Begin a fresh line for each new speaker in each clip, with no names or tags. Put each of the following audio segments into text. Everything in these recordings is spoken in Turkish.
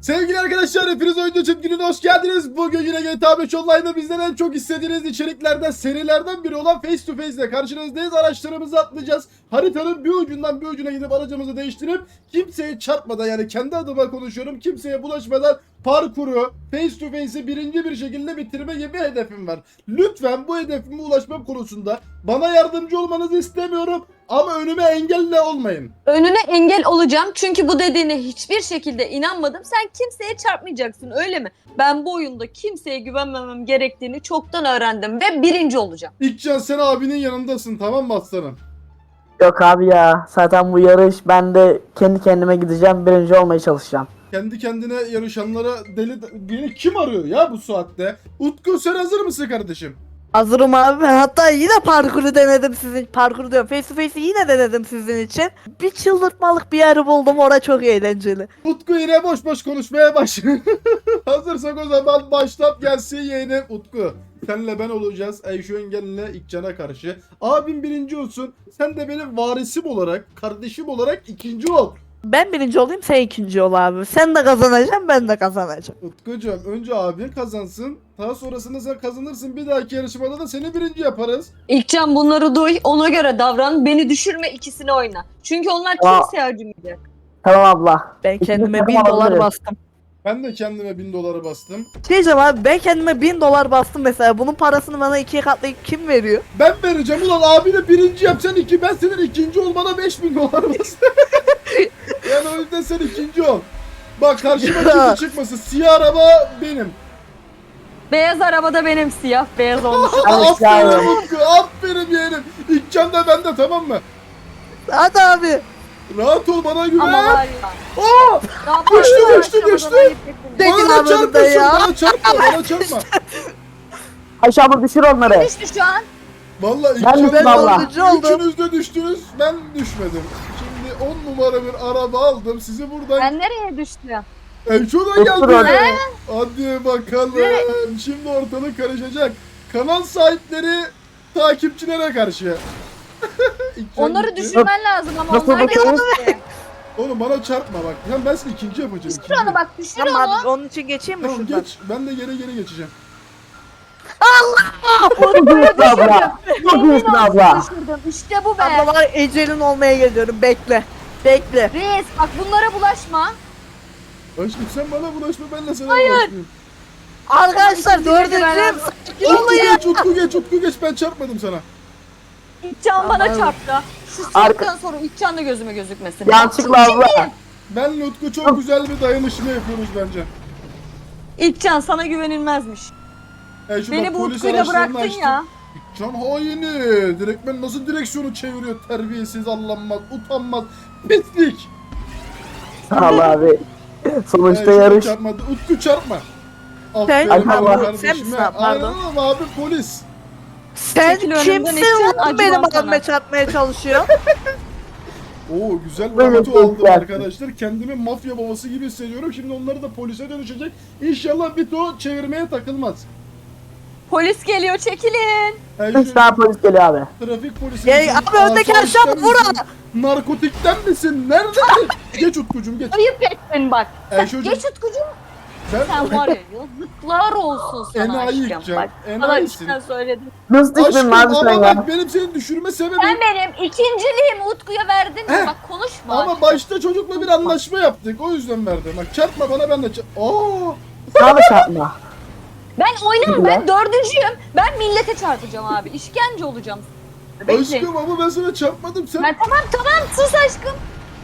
Sevgili arkadaşlar, hepiniz Oyuncu Çiftliği'ne hoş geldiniz. Bugün yine GTA 5 Online'da bizden en çok istediğiniz içeriklerden, serilerden biri olan Face to Face ile karşınızdayız. Araçlarımızı atlayacağız. Haritanın bir ucundan bir ucuna gidip aracımızı değiştirip kimseye çarpmadan, yani kendi adıma konuşuyorum, kimseye bulaşmadan parkuru Face to Face'i birinci bir şekilde bitirme gibi hedefim var. Lütfen bu hedefime ulaşmam konusunda bana yardımcı olmanızı istemiyorum ama önüme engelle olmayın.
Önüne engel olacağım çünkü bu dediğine hiçbir şekilde inanmadım. Sen kimseye çarpmayacaksın, öyle mi? Ben bu oyunda kimseye güvenmemem gerektiğini çoktan öğrendim ve birinci olacağım.
İlkcan, sen abinin yanındasın, tamam mı aslanım?
Yok abi ya, zaten bu yarış, ben de kendi kendime gideceğim, birinci olmaya çalışacağım.
Kendi kendine yarışanlara beni kim arıyor ya bu saatte? Utku, sen hazır mısın kardeşim?
Hazırım abi. Hatta yine parkuru denedim sizin. Parkuru diyorum. Face to face'i yine denedim sizin için. Bir çıldırtmalık bir yer buldum. Orada çok eğlenceli.
Utku yine boş boş konuşmaya başlıyor. Hazırsak o zaman başlat gelsin yeğenim. Utku, senle ben olacağız Ayşe Engel'le İlkcan'a karşı. Abim birinci olsun. Sen de benim varisim olarak, kardeşim olarak ikinci ol.
Ben birinci olayım, sen ikinci ol abi. Sen de kazanacaksın, ben de kazanacağım.
Utkucuğum, önce abin kazansın. Daha sonrasında sen kazanırsın. Bir dahaki yarışmada da seni birinci yaparız.
İlkcan, bunları duy, ona göre davran, beni düşürme, ikisini oyna. Çünkü onlar kimseye acımayacak.
Tamam abla.
Ben kendime
İkimiz
1000
de
dolar
alırız.
bastım.
Ben de kendime 1000 doları bastım.
Şey diyeceğim abi, ben kendime 1000 dolar bastım mesela. Bunun parasını bana ikiye katlayıp kim veriyor?
Ben vereceğim ulan, abini birinci yap sen iki, ben senin ikinci olmana 5000 dolar bastım. Yani o yüzden sen ikinci ol. Bak, karşıma kimse çıkmasın, siyah araba benim.
Beyaz arabada benim, siyah beyaz olmuş.
Aferin Utku, aferin yeğenim. İlkcan da bende, tamam mı?
Hadi abi.
Rahat ol, bana güven.
Ama var ya.
Aa!
Daha
Düştü,
fazla
düştü.
ayıp ettin.
Tekin
Bana
abi burada
çarpmasın,
ya.
bana çarpma.
Ayşe abla düşür onları.
Düştü şu an.
Vallahi
Ben
İlkcan,
düştüm abla.
Dördüncü oldum.
üçünüz de düştünüz, ben düşmedim. Şimdi 10 numara bir araba aldım, sizi buradan
Ben nereye düştüm?
Şuradan
Otur
geldi.
hadi.
Hadi bakalım. Şimdi ortalık karışacak. Kanal sahipleri takipçilere karşı. İlkcan
Onları
gitti.
düşürmen lazım ama
Nasıl
onlar
bakalım?
gitti.
Oğlum bana çarpma bak. Ben seni ikinci yapacağım.
Düşür
ikinci.
onu bak, düşür
Tamam
onu.
abi, onun için geçeyim mi
Tamam,
şuradan?
geç. Ben de geri geçeceğim.
Çok iyisin abla. Çok iyisin abla.
Düşürdüm. İşte bu be.
Abla var, ecelin olmaya geliyorum. Bekle. Bekle.
Reis bak, bunlara bulaşma.
Aşkım, sen bana bulaşma, ben de sana bulaşmayayım.
Arkadaşlar
İkinci bölümde
dördüncüyüm.
ben-
Utku geç, ben çarpmadım sana.
İlkcan bana
Tamam.
çarptı. Şu saatten sonra İlkcan da gözüme gözükmesin.
Yanlışlıkla abla.
Benle Utku çok güzel bir dayanışma yapıyoruz bence.
İlkcan, sana güvenilmezmiş.
Şu
Beni
bak,
bu
polis
utkuyla
araçlarını
bıraktın
açtım.
ya.
Can haini. Direktmen nasıl direksiyonu çeviriyor, terbiyesiz, allanmaz, utanmaz, pislik.
Sağ ol abi. Sonuçta
Şuna
yarış.
Çarpma. Utku çarpma.
Sen-
Aferin
Ay,
abi
Allah.
kardeşime.
Sen misin abi, pardon?
Aynen abi, polis.
Sen
Çekil önümden,
kimsin
İlkcan,
lan benim
acımam
abime
sana.
çarpmaya çalışıyor?
Oo, güzel bir
Böyle
auto
bir
aldım
şey
arkadaşlar. Kendimi mafya babası gibi hissediyorum. Şimdi onları da polise dönüşecek. İnşallah Vito çevirmeye takılmaz.
Polis geliyor, çekilin.
Üç tane polis geliyor abi.
Trafik polisi
Ya
misin?
abi, öndeki
Asayişten
aşağı vur
misin? Narkotikten misin? Nerede? Geç Utkucuğum, geç.
Ayıp ettin bak.
Ayşe'cim,
Geç Utkucuğum.
sen
Sen var ya, yazıklar olsun sana
Enayi
aşkım.
yıkacağım,
Bak, sana
enayisin.
içten söyledim.
Nasıl düştün
Aşkım,
abi sen
ama
ya?
bak, benim seni düşürme sebebim.
Sen benim ikinciliğimi Utku'ya verdin
Heh.
mi? Bak, konuşma.
Ama başta çocukla bir anlaşma yaptık. O yüzden verdim. Bak, çarpma bana, ben de Aa!
Sana da çarpma.
Ben oynamam, ben
Ya.
dördüncüyüm. Ben millete çarpacağım abi. İşkence olacağım. Bekle.
Aşkım, ama ben sana çarpmadım. Sen
Ben tamam sus aşkım.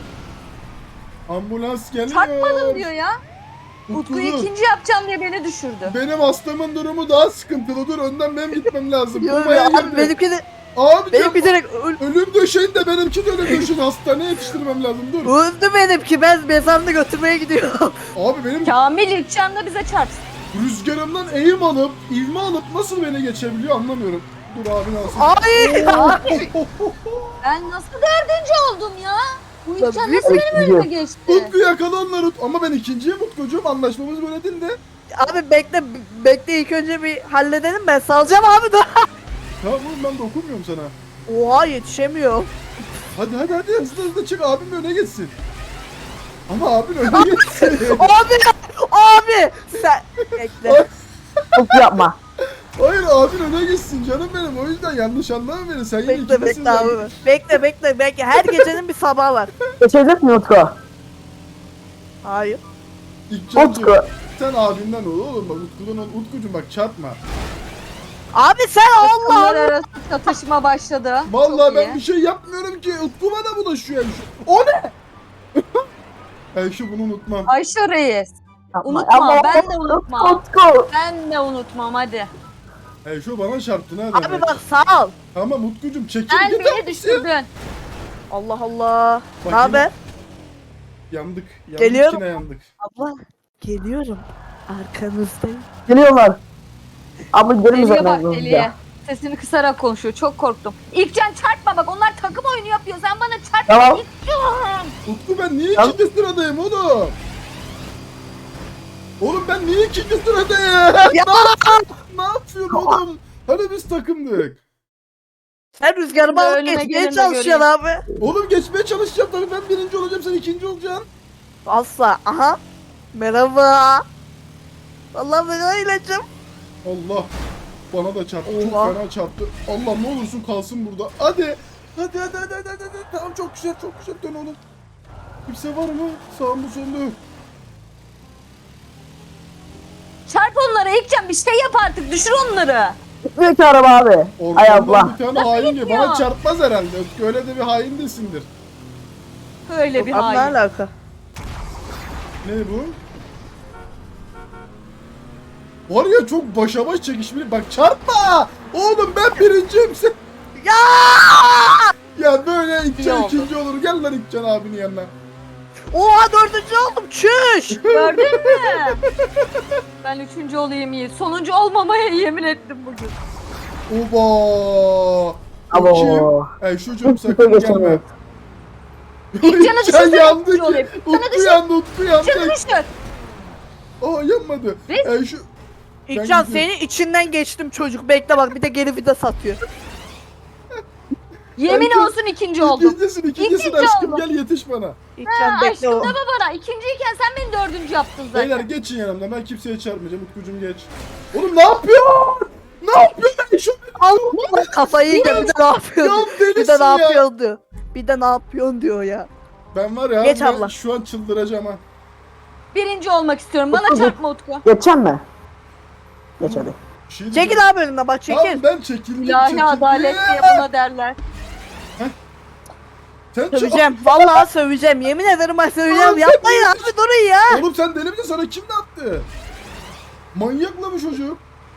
ambulans geliyor.
Çarpmadım diyor ya.
Utku,
Utku'yu
dur.
ikinci yapacağım diye beni düşürdü.
Benim hastamın durumu daha sıkıntılı. Dur, önden benim gitmem lazım.
Yok
Komaya
ya abi,
girdi.
benimki de
Abi
direkt
ölüm döşeğin de benimki de ölüm döşeğin. Hastaneye yetiştirmem lazım. Dur.
öldü benimki. Ben mezarını götürmeye gidiyorum.
Abi benim
Kamil İlkcan da bize çarpsın.
rüzgarımdan eğim alıp, ivme alıp nasıl beni geçebiliyor anlamıyorum. Dur abi, nasıl?
Ay.
Abi ben nasıl dördüncü oldum ya? Bu İlkcan
büyük
nasıl benim önüme
gidiyor.
geçti?
Utku, yakala onları. Ama ben ikinciyim Utkucuğum. Anlaşmamız böyle değil de.
Abi bekle ilk önce bir halledelim, ben salacağım abi da.
Tamam oğlum, ben dokunmuyorum sana.
Oha, yetişemiyorum.
Hadi hızlı çık, abim öne geçsin. Ama abin öne geçsin.
Abi Bekle.
Utku yapma.
Hayır abin öne gitsin canım benim. O yüzden yanlış anlama beni. Sen yine
Bekle
ikincisin
bekle abi. Bekle. Her gecenin bir sabahı var.
Geçecek mi Utku?
Hayır.
İlkcancığım,
Utku.
sen abinden ol oğlum bak Utku'dan ol. Utkucuğum bak çarpma.
Abi sen Allah
Bunlar
Allah.
arası çatışma başladı.
Vallahi
Çok
ben
iyi.
bir şey yapmıyorum ki. Utku bana bulaşıyor Ayşe. O ne? Ayşe bunu unutmam.
Ayşe Reis.
Yapma.
Unutma,
Ama-
ben de unutmam.
Utku.
Ben de unutmam hadi.
Ayşe bana çarptı ne
Abi
demek?
bak sağ ol.
Tamam Utkucuğum çekil
Sen
git
beni
abi.
düşürdün.
Allah Allah.
Bak
Ne haber?
Yandık. Yandık
Geliyorum.
yine yandık.
Abla geliyorum. Arkanızdayım.
Geliyorlar. Abla gelin
Deliye
üzerinden
bak
hızlıca.
deliye. Sesini kısarak konuşuyor. Çok korktum. İlkcan çarpma bak onlar takım oyunu yapıyor. Sen bana çarpma.
Tamam.
İlkcan.
Utku ben niye
Tamam.
ikinci sıradayım oğlum? Oğlum ben niye ikinci sıradayım?
Ya
Ne yapıyorsun oğlum? Hani biz takımdık.
sen rüzgarımı alıp
Önüme
geçmeye
gelin de
çalışıyorsun abi.
Oğlum geçmeye çalışacağım tabii ben birinci olacağım sen ikinci olacaksın.
Asla. Aha. Merhaba. Vallahi ben öyleyeceğim.
Allah. Bana da çarptı. Çok
Oha.
fena çarptı. Allah ne olursun kalsın burada. Hadi. Hadi. Tamam çok güzel dön oğlum. Kimse var mı? Sağımda solumda yok.
Çarp onlara İlkcan bir şey yap artık. Düşür onları.
Gitmiyor ki araba abi. Ay
Ortamdan
abla.
bir tane hain gibi.
gitmiyor?
Bana çarpmaz herhalde. Öyle de bir hain desindir.
Öyle bir
Abi ne
hain.
alaka?
Ne bu? Var ya çok başa baş çekişmeli. Bak çarpma! Oğlum ben birinciyim sen.
Ya!
Ya böyle
İyi
İkcan
oldu.
ikinci olur. Gel lan İkcan abinin yanına.
Oha dördüncü oldum. Çüş.
Gördün mü? Ben üçüncü olayım iyi. Sonuncu olmamaya yemin ettim bugün.
Oba!
Abo.
Ay çocuğum sakın gelme.
Geçemiyor.
İlkcan'ı
İkcan
düşürsene
yandı
üçüncü
ki.
olayım. Sana
Utku
düşür.
yandı, Utku yandı.
İlkcan'ı düşür.
Aa yanmadı.
Biz-
Ay şu...
İlkcan
gidiyorum.
seni içinden geçtim çocuk. Bekle bak bir de geri vida satıyor.
Yemin
İlkcan-
olsun ikinci oldum.
İkincisin
İkinci
aşkım
oldum.
gel yetiş bana.
İlkcan
Ha,
bekle
aşkım
o.
deme bana. İkinciyken sen beni dördüncü yaptın zaten.
Beyler geçin yanımdan ben kimseye çarpmayacağım. Utkucuğum geç. Oğlum ne yapıyorsun? Ne yapıyorsun? Şu...
Allah kafayı yiyeceğim. Bir de ne
Ya
yapıyorsun?
delisin
Bir de ne
ya.
yapıyorsun diyor. Bir de ne yapıyorsun diyor ya.
Ben var ya
Geç
ben
abla.
şu an çıldıracağım ha.
Birinci olmak istiyorum. Bana
Utku,
çarpma Utku.
Geçecek mi? Geç hadi.
Bir şey diyeceğim.
Çekil abi önümden bak çekil.
Tamam ben çekildim.
İlahi adalet diye buna derler.
Sen
Söveceğim. Vallahi söveceğim. Yemin ederim ben söveceğim.
Oğlum,
Yapmayın abi durun ya.
Oğlum sen deli misin? Sana kim ne yaptı? Manyak mı bu çocuk?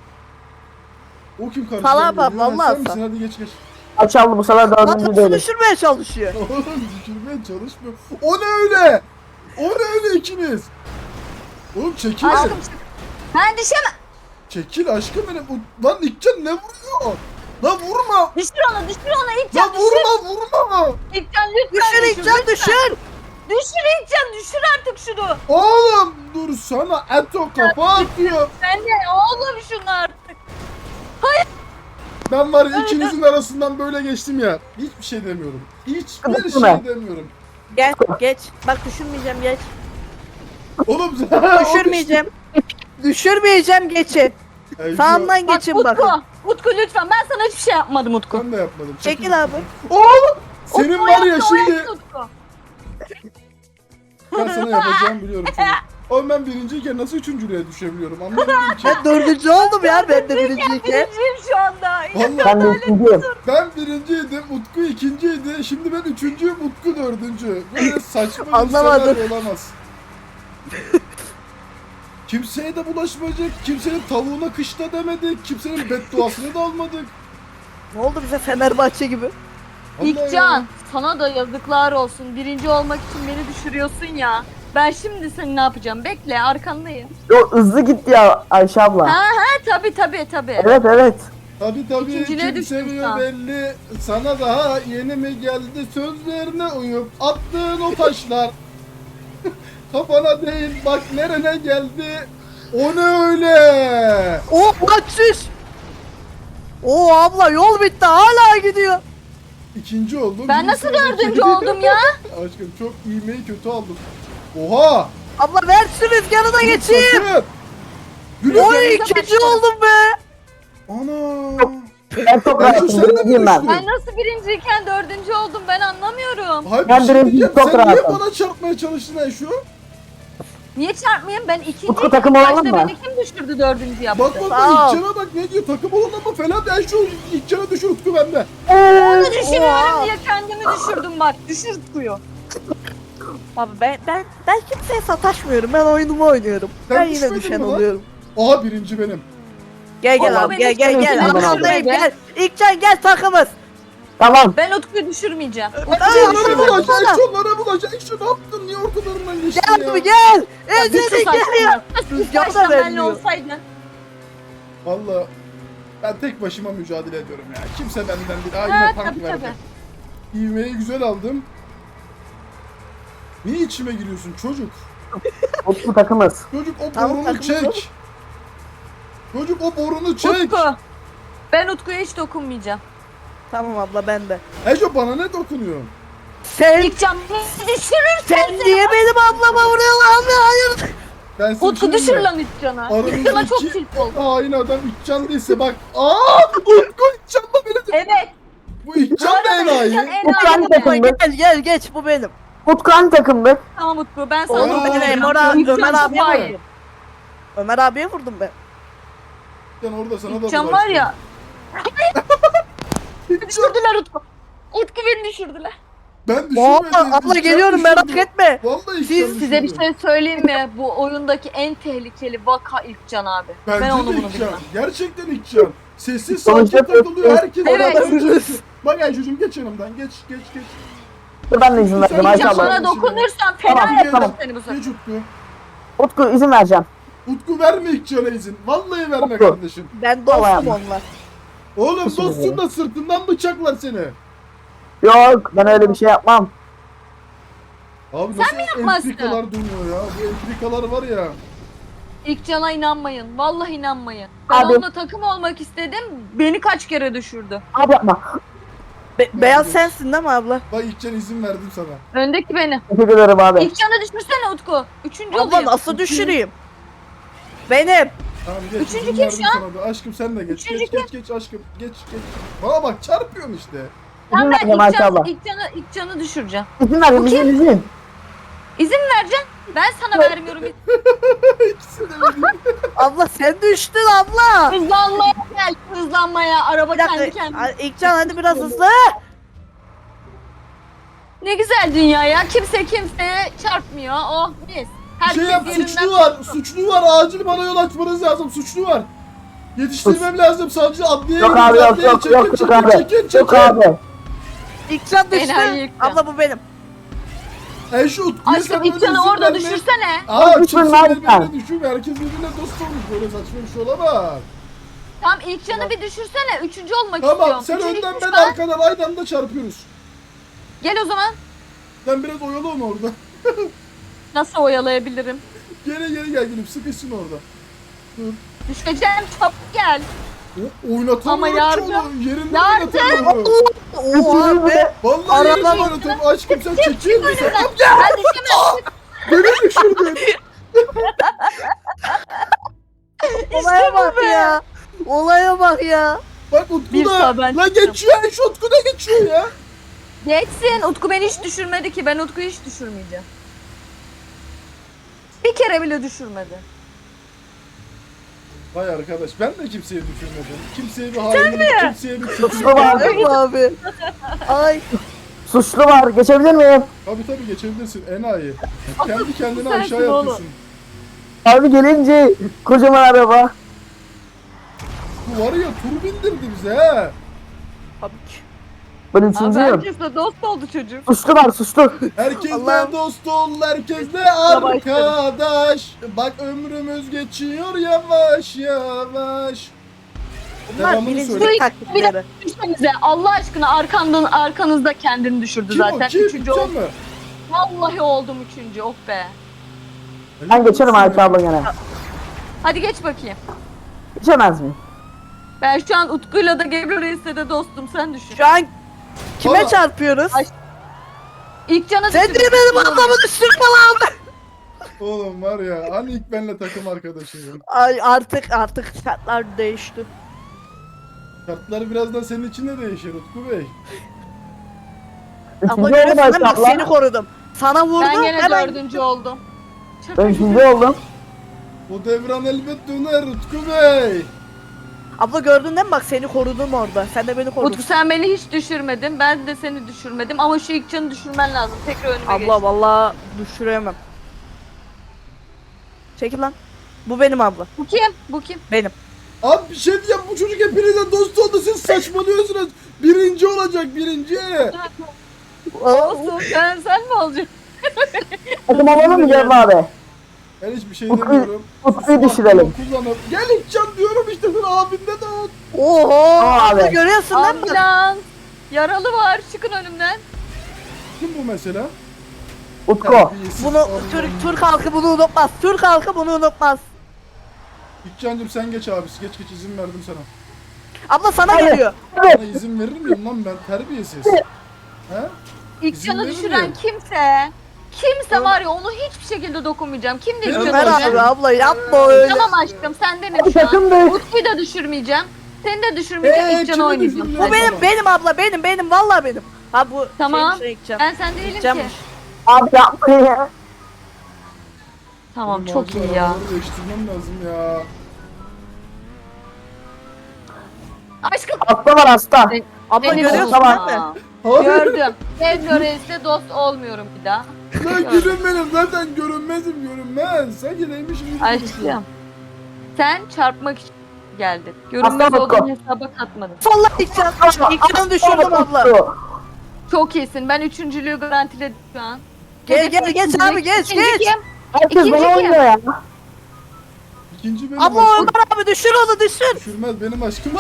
O kim karşıdan
Salak
geliyor?
bak, vallahi
Sen misin?
sal.
Hadi geç geç.
Aç aldı bu sefer
Lan
dördüncü
nasıl
değiliz.
düşürmeye çalışıyor.
Oğlum düşürmeye çalışmıyor. O ne öyle? O ne öyle ikiniz? Oğlum çekil.
Aşkım ben düşemem.
Çekil aşkım benim. Lan İkcan ne vuruyor? Lan vurma.
Düşür onu İlkcan
Lan vurma.
İlkcan lütfen
Düşür İlkcan
lütfen.
düşür.
Düşür İlkcan düşür artık şunu.
Oğlum dur sana Eto kafa atıyor.
Ben de oğlum şunu artık.
Ben var ya ikinizin arasından böyle geçtim ya. Hiçbir şey demiyorum. Hiçbir
Kıvırcık mı?
şey demiyorum.
Gel geç. Bak düşürmeyeceğim geç.
Oğlum
Düşürmeyeceğim. Düşürmeyeceğim geçin.
Ay,
Sağımdan
Bak
geçin bakın.
Utku lütfen ben sana hiçbir şey yapmadım Utku.
Ben de yapmadım.
Çekil abi.
Oğlum senin
Utku
var ya
yaptı, o
şimdi
yaptı Utku.
ben sana yapacağımı biliyorum çocuk. Oğlum ben birinciyken nasıl üçüncülüğe düşebiliyorum anlamadım ki.
Ben dördüncü oldum ya ben de birinciyken.
Birinciyim şu anda.
Vallahi
Ben de ikinciyim.
ben birinciydim, Utku ikinciydi. Şimdi ben üçüncüyüm, Utku dördüncü. Böyle saçma bir
Anlamadım.
senaryo olamaz. Kimseye de bulaşmayacak, kimsenin tavuğuna kışla demedik, kimsenin bedduasını da almadık.
Ne oldu bize Fenerbahçe gibi?
Vallahi
İlkcan
ya.
sana da yazıklar olsun. Birinci olmak için beni düşürüyorsun ya. Ben şimdi seni ne yapacağım? Bekle arkandayım.
Yo hızlı gitti ya Ayşe abla.
Ha tabi.
Evet evet.
Tabii
İkinciliğe
kim
düştün
seviyor
sen.
belli. Sana daha yeni mi geldi sözlerine uyup attığın o taşlar. Kafana değil bak nerene geldi. O ne öyle?
O kaçış. O abla yol bitti hala gidiyor.
İkinci oldum.
Ben
bir
nasıl
sonraki-
dördüncü oldum ya?
Aşkım çok ivmeyi kötü aldım. Oha!
Abla ver şu rüzgarı da geçeyim.
Sakın! Gülüm.
Oy ikinci oldum be.
Ana.
Ben çok
Ayşe,
rahatım.
sen de mi
Birinciyim ben.
düştün?
Ben nasıl birinciyken dördüncü oldum ben anlamıyorum.
Hayır,
Ben
bir şey
birinci,
diyeceğim.
çok
Sen niye
rahatım.
bana çarpmaya çalıştın Ayşe?
Niye çarpmayayım? Ben ikinci.
Utku takım olalım
Başta
mı?
beni kim düşürdü dördüncü yaptı?
Bak bak
Sağ ol.
İlkcan'a bak ne diyor, takım olun ama falan. Ayşe İlkcan'a düşür, Utku bende.
Onu düşürüyorum
Oha.
diye kendimi düşürdüm bak. Düşür Utku'yu.
Abi ben kimseye sataşmıyorum. Ben oyunumu oynuyorum.
Sen
ben yine
düşmedin
düşen
mi lan?
oluyorum.
Aha birinci benim.
Gel gel
Ama
abi
beni
gel
düşürmedin
gel.
abi.
Arkandayım
Düşürmedin.
gel. İlkcan gel takımız.
Tamam.
Ben Utku'yu düşürmeyeceğim.
Onlara
düşürme,
bulacak,
bana.
Ayşe onlara bulacak. Ayşe ne yaptın? Niye ortalarından geçtin
Gel
ya?
abi gel.
Bir sus
Ezeli gel ya.
aşkına.
Rüzgar da
Baştan benimle
vermiyor.
olsaydın.
Valla ben tek başıma mücadele ediyorum ya. Kimse benden değil. Aa
Ha
yine tank
tabii
verdi.
tabii.
İvmeyi güzel aldım. Niye içime giriyorsun çocuk?
Utku takımız.
Çocuk o
Tamam,
borunu
takımız oğlum.
çek. Çocuk o borunu çek.
Utku. Ben Utku'ya hiç dokunmayacağım.
Tamam abla ben de.
Ayşe bana ne dokunuyor?
Sen
İlk cam düşürürsen
sen niye benim ablama vuruyorsun abi hayır.
Ben seni
Utku düşür lan İlkcan'a.
Aramızdaki-
İlkcan'a çok tilt oldu.
Hain adam İkcan değilse bak. Utku İkcan da beni de.
Evet.
Bu İkcan da
İlkcan
enayi.
Utku hangi
enayi.
takımdı?
Gel geç bu benim.
Utku hangi takımdı?
Tamam Utku ben sana
Aa,
dokunmayacağım.
benim,
Ömer abi
çok
var.
hain.
Ömer abiye vurdum ben.
İkcan orada sana da
İlkcan
bulaştı.
var ya.
İkcan,
Düşürdüler Utku. Utku beni düşürdüler.
ben
Oha,
düşürmedim.
abla
İkcan
geliyorum merak
düşürdü.
etme.
Vallahi İkcan
Siz-
Size bir
düşürdü.
şey söyleyeyim mi? Bu oyundaki en tehlikeli vaka İlkcan abi.
Bence
ben onu
de
bunu
İkcan.
bilmem.
Gerçekten İkcan. Sessiz
Sonuçta
sakin takılıyor. Herkes
Evet.
beraber çekiyor. Bak Ayşe'cim geç yanımdan. Geç.
Dur ben de izin vereceğim Ayşe
İlkcan
abla.
bana dokunursan fena
Tamam,
yaparım
tamam.
seni bu sefer.
Geç Utku.
Utku izin vereceğim.
Utku verme İkcan'a izin. Vallahi verme
Utku.
kardeşim.
Ben
Tamam.
dostum onunla.
Oğlum
Teşekkür
dostsun
ederim.
da sırtından bıçaklar seni.
Yok ben öyle bir şey yapmam.
Abi nasıl
yapmazsın?
entrikalar dönüyor ya. Bu entrikalar var ya.
İlkcan'a inanmayın. Vallahi inanmayın. Ben
Abi.
onunla takım olmak istedim. Beni kaç kere düşürdü.
Abi yapma.
Beyaz sensin değil mi abla?
Bak İkcan izin verdim sana.
Öndeki benim.
Teşekkür ederim abi.
İlkcan'ı düşürsene Utku. Üçüncü
Abla
olayım.
nasıl düşüreyim? Benim.
Tamam geç.
Üçüncü
izin
kim
verdim
şu an?
sana da. Aşkım sen de geç.
Üçüncü
Geç aşkım. Geç. Bana bak çarpıyorsun işte.
Tamam
İzin
ben
vereceğim Ayşe abla.
İlkcan'ı düşüreceğim.
İzin vereceğim izin.
İzin vereceğim. Ben sana vermiyorum.
İkisi de benim.
Abla sen düştün abla.
Hızlanmaya gel. Hızlanmaya. Araba
Bir
kendi
dakika.
kendine.
İlkcan hadi biraz hızlı.
Ne güzel dünya ya. Kimse kimseye çarpmıyor. Oh mis.
Bir
Herkes
şey yap,
yerinden
suçlu var. Suçlu var. Acil bana yol açmanız lazım. Suçlu var. Yetiştirmem lazım. Savcı adliye
Yok abi yok
adliye
yok yok yok abi.
çekin.
Yok abi.
İlkcan düştü.
Enayi İlkcan.
Abla bu benim.
Şu Utku'ya sen
Aşkım
öyle
İlkcan'ı
izin
orada
verme.
düşürsene.
Aa
Düşürme
kimse
abi
birbirine
sen.
düşürme. Herkes birbirine dost olmuş. Böyle saçma bir şey olamaz.
Tamam İlkcan'ı bir düşürsene. Üçüncü olmak
Tamam
istiyorum.
sen
Üçüncü
önden
kimmiş
ben
lan?
arkadan aynı anda çarpıyoruz.
Gel o zaman.
Sen biraz oyalı onu orada.
Nasıl oyalayabilirim?
Geri gel gülüm. Sıkışsın orada.
Düşeceğim. Çabuk gel.
Oynatamıyorum
Ama
ki
yardım.
onu. Yerinde
Yardım.
oynatamıyorum.
Oha be.
Vallahi yerinde
Arabama-
oynatamıyorum. Aşkım sen çekil misin?
Ben düşemem.
Beni düşürdün.
Olaya bak ya. Olaya bak ya.
Bak Utku
Bir
da.
sağ ben
La geçiyor. Şu Utku da geçiyor ya.
Geçsin. Utku beni hiç düşürmedi ki. Ben Utku'yu hiç düşürmeyeceğim. Bir kere bile düşürmedi.
Vay arkadaş ben de kimseyi düşürmedim. Kimseye bir hainlik, kimseye bir
Suçlu var.
kötülük.
Değil mi abi? Ay.
Suçlu var. Geçebilir miyim?
Tabii geçebilirsin enayi. Kendi kendine
Sensin
aşağıya
oğlum.
atıyorsun.
Abi gelince kocaman araba.
Bu var ya tur bindirdi bize he.
Tabii ki.
Ben
Abi
üçüncüyüm.
herkesle dost oldu çocuk.
Suçlu var suçlu.
Herkesle
Allah'ım.
dost ol, herkesle arkadaş. Bak ömrümüz geçiyor yavaş yavaş.
Bunlar
Devamını
birincilik
söyle.
taktikleri.
Düşmenize Allah aşkına arkanızda kendini düşürdü
Kim
zaten.
o? Kim?
Üçüncü
Sen
oldum.
mi?
Vallahi oldum üçüncü. Oh be.
Ben geçerim Ayşe abla gene.
Hadi geç bakayım.
Geçemez miyim?
Ben şu an Utku'yla da Gebru Reis'le de dostum. Sen düşün.
Şu an kime
Baba.
çarpıyoruz?
Ay, İlk cana
Sen niye benim ablamı düşürme lan?
Oğlum var ya hani ilk benle takım arkadaşıydın.
Ay artık şartlar değişti.
Kartlar birazdan senin için de değişir Utku Bey.
Ama
Üçüncü oldum
görüyorsun değil mi? Bak
abla.
seni korudum. Sana vurdum
Ben gene
hemen.
4. oldum.
Ben üçüncü oldum.
Bu devran elbet döner Utku Bey.
Abla gördün değil mi? Bak seni korudum orada. Sen de beni korudun.
Utku sen beni hiç düşürmedin. Ben de seni düşürmedim. Ama şu ilk canı düşürmen lazım. Tekrar önüme geç.
Abla vallahi düşüremem. Çekil lan. Bu benim abla.
Bu kim? Bu kim?
Benim.
Abi bir şey diyeceğim bu çocuk hepinizle dost oldu siz saçmalıyorsunuz. Birinci olacak birinci.
Olsun. Sen mi olacaksın?
Takım alalım mı Cem abi?
Ben hiçbir şey
Utku-
demiyorum.
Utku'yu düşürelim.
Kullanıp. Gel İlkcan diyorum işte sen abinde de at.
Oho.
Tamam
Abla
abi.
görüyorsun değil mi?
Ambulans. Yaralı var. Çıkın önümden.
Kim bu mesela?
Utku.
Terbiyesiz.
Bunu
Allah
Türk halkı bunu unutmaz. Türk halkı bunu unutmaz.
İlkcan'cım sen geç abisi geç izin verdim sana.
Abla sana
Hayır.
geliyor.
Sana izin verir miyim lan ben terbiyesiz. He?
İlk
İzin
canı
verir
düşüren
miyim?
kimse. Kimse var ya onu hiçbir şekilde dokunmayacağım. Kim de ilk
Ömer
canı
Ömer
Canım,
abi
düşüren?
abla yapma öyle.
Tamam aşkım sen de mi
Abi
şu an?
takım büyük.
Utku'yu da düşürmeyeceğim. Seni de düşürmeyeceğim. İlk canı
kimi
oynayacağım.
düşürüyor?
Bu benim abla benim vallahi benim. Ha bu
Tamam.
şeymiş, Ekcan.
Ben sen değilim ki.
Ekcanmış.
Abi yapma ya.
Tamam
Benim
çok
acil
iyi ya.
arabaları değiştirmem lazım ya.
Aşkım.
Hasta var hasta.
Abla
Seni
görüyorsun
Tamam.
değil mi?
Hayır.
Gördüm. Ben Lorentz'le dost olmuyorum bir daha.
Lan gülüm benim zaten görünmezim görünmez. Sanki neymişim gibi konuşuyorsun.
Aşkım. Sen çarpmak için geldin. Görünmez
Aslan
olduğun
Utku.
Abla
hesaba katmadın.
İkcan'ı düşürdüm abla.
Çok iyisin. Ben üçüncülüğü garantiledim şu an.
Gel geç abi geç
İkinci
geç.
kim?
Herkes
İkinci
bana
kim?
oynuyor ya.
İkinci benim
Abla
aşkım.
Ömer abi düşür onu düşür.
Düşürmez benim aşkım.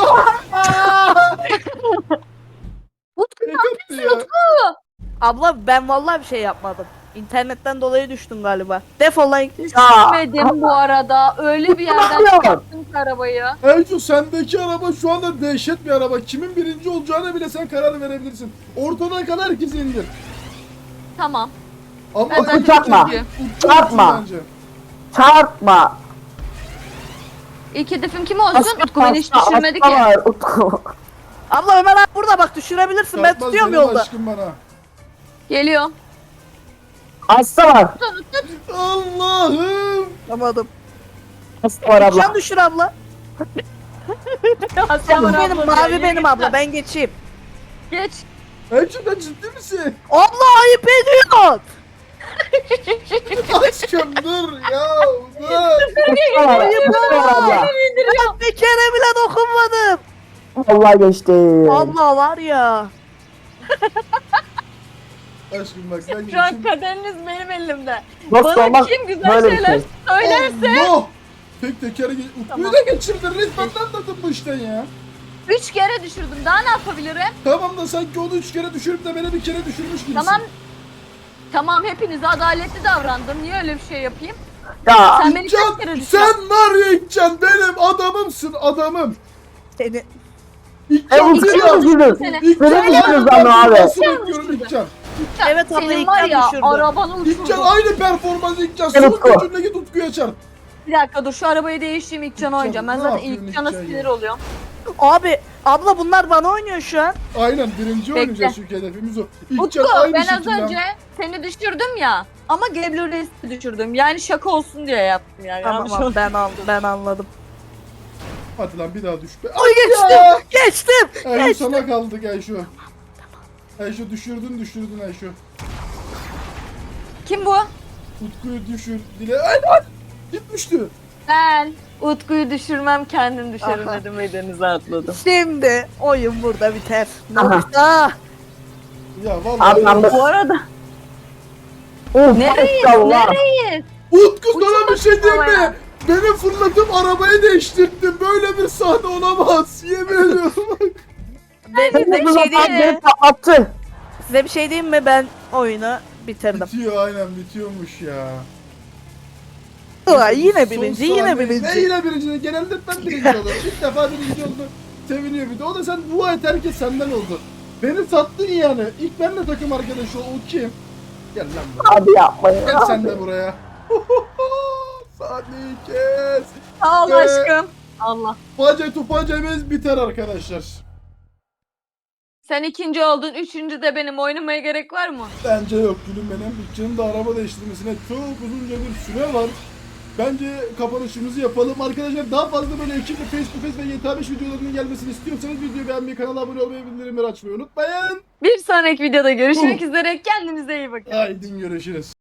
Utku
Ne yaptı ya?
Abla ben vallahi bir şey yapmadım. İnternetten dolayı düştüm galiba. Defol lan.
Ya.
düşmedim bu arada. Öyle bir yerden
yapıyorsun?
çıkarttın ki arabayı.
Erco sendeki araba şu anda dehşet bir araba. Kimin birinci olacağına bile sen karar verebilirsin. Ortadan kadar herkes indir.
Tamam.
Ama
Ben zaten
Çarpma.
ikinciyim.
Çarpma.
Bence.
Çarpma.
İlk hedefim kim olsun? Utku beni hiç
Hasta
düşürmedi ki.
var Utku.
Abla Ömer abi burada bak düşürebilirsin. Ben
Çarpmaz
tutuyorum
benim
yolda.
aşkım bana.
Geliyorum.
Hasta var.
Allah'ım.
Tamam.
Hasta var abla.
Can düşür abla.
Aslan
Canım benim
ablam
mavi
ya,
benim
yürü
abla
git.
ben geçeyim.
Geç.
Erco sen ciddi misin?
Abla ayıp ediyorsun.
Aşkım dur ya. Dur.
Hasta var. Hasta var abla.
İndiriyorum.
Bir kere bile dokunmadım.
Vallahi geçti.
Abla var ya.
Aşkım bak sen
Şu an kaderiniz benim elimde.
Dost
Bana
olmak
kim güzel
böyle bir
şeyler
şey.
söylerse
Allah. Tek tekere Utku'yu
Tamam.
da geçirdin. Resmen anladın bu işten ya.
3 kere düşürdüm. Daha ne yapabilirim?
Tamam da sanki onu 3 kere düşürüp de beni bir kere düşürmüş gibisin.
Tamam. Tamam hepinize adaletli davrandım. Niye öyle bir şey yapayım?
Ya.
Sen beni
İlkcan,
kaç kere düşürdün?
sen var ya İlkcan benim adamımsın adamım.
Seni.
İlkcan
Utku'yu
ya.
düşürdün.
Seni.
İlkcan
Beni düşürdün
aynı
lan abi.
performansı
İlkcan
bekliyorum
düşürdü.
İlkcan.
Evet abla,
Senin
ilk
var
sen
ya
düşürdün.
arabanı
İlkcan
uçurdum.
aynı performans İlkcan.
Evet,
Son
o.
gücünle git Utku'ya çarp.
Bir dakika dur şu arabayı değiştireyim ilk canı oynayacağım. Ben
ne
zaten
yapıyorsun
ilk cana
İlkcan ya?
sinir oluyorum.
Abi abla bunlar bana oynuyor şu an.
Aynen birinci
Bekle.
oynayacağız çünkü hedefimiz o.
Utku
İlkcan aynı
ben az
şekilde.
önce seni düşürdüm ya. Ama Geblo Reis'i düşürdüm. Yani şaka olsun diye yaptım yani.
Tamam
Yanlış
abi,
oldu.
ben anladım.
Hadi lan bir daha düş be.
Oy geçtim. Geçtim.
Ayşe
Geçtim.
sana kaldık Ayşe. Ayşe düşürdün Ayşe.
Kim bu?
Utku'yu düşür. Dile. Ay gitmişti.
Ben. Utku'yu düşürmem kendim düşerim
Aha.
dedim ve denize atladım.
Şimdi oyun burada biter.
Aha.
Nokta.
Ya vallahi.
Abi ben de.
Bu arada
Uf,
nereyiz?
maşallah.
Nereyiz?
Utku sana bir şey diyeyim
havaya.
mi? Beni fırlatıp arabayı değiştirdim. Böyle bir sahne olamaz. Yemin ediyorum.
Ben size bir şey diyeyim
Beni
mi?
patlattı.
Size bir şey diyeyim mi? Ben oyunu bitirdim.
Bitiyor aynen bitiyormuş ya.
Ulan yine
Son
birinci,
sahne-
yine
Ne
birinci.
yine birinci? Genelde ben birinci olurum. İlk defa birinci oldu. Seviniyor bir de. O da sen dua et herkes senden oldu. Beni sattın yani. İlk benle takım arkadaşı ol. O kim? Gel lan buraya.
Abi yapma
Gel
ya.
sen de buraya. Saniye kes.
Sağ ol
Ve-
aşkım. Allah.
Face to facemiz biter arkadaşlar.
Sen ikinci oldun. Üçüncü de benim. Oynamaya gerek var mı?
Bence yok gülüm benim. Bütçenin de araba değiştirmesine çok uzunca bir süre var. Bence kapanışımızı yapalım. Arkadaşlar daha fazla böyle ekiple face to face ve GTA 5 videolarının gelmesini istiyorsanız videoyu beğenmeyi, kanala abone olmayı, bildirimleri açmayı unutmayın.
Bir sonraki videoda görüşmek üzere. Kendinize iyi bakın.
Haydi görüşürüz.